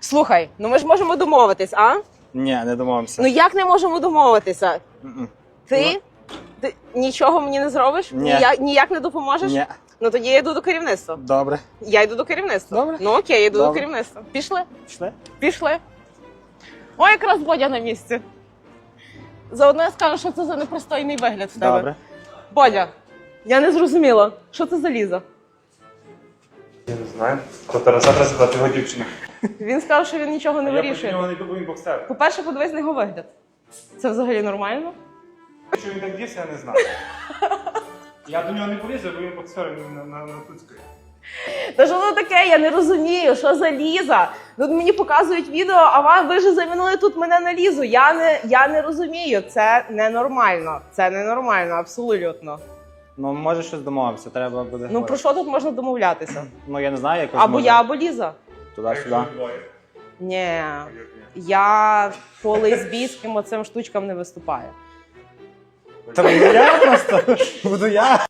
Слухай, ну ми ж можемо домовитись, а? Ні, не домовимося. Ну як не можемо домовитися? М-м. Ти нічого мені не зробиш? Ні. Ніяк не допоможеш? Ні. Ну тоді я йду до керівництва. Добре. Я йду до керівництва. Добре. Ну окей, я йду Добре. до керівництва. Пішли? Пішли? Пішли. О, якраз Бодя на місці. Заодно я скажу, що це за непристойний вигляд в тебе. Добре. Бодя, я не зрозуміла, що це за Ліза? Я не знаю. То Тараса треба задати його дівчина. Він сказав, що він нічого не Я проти вирішує. нього не був, він боксер. По-перше, подивись на його вигляд. Це взагалі нормально? Що він так дівся, я не знаю. Я до нього не полізу, бо він боксер на Туцькій. Та що це таке? Я не розумію, що за Ліза? Тут мені показують відео, а ви вже замінили тут мене на Лізу. Я не розумію, це ненормально. Це ненормально, абсолютно. Ну, може щось домовимося, треба буде. Ну про що тут можна домовлятися? Ну, я не знаю, якось Або може я, або Ліза. туди-сюди. Ні, я по лесбійським оцим штучкам не виступаю. Та буду я просто. Буду я.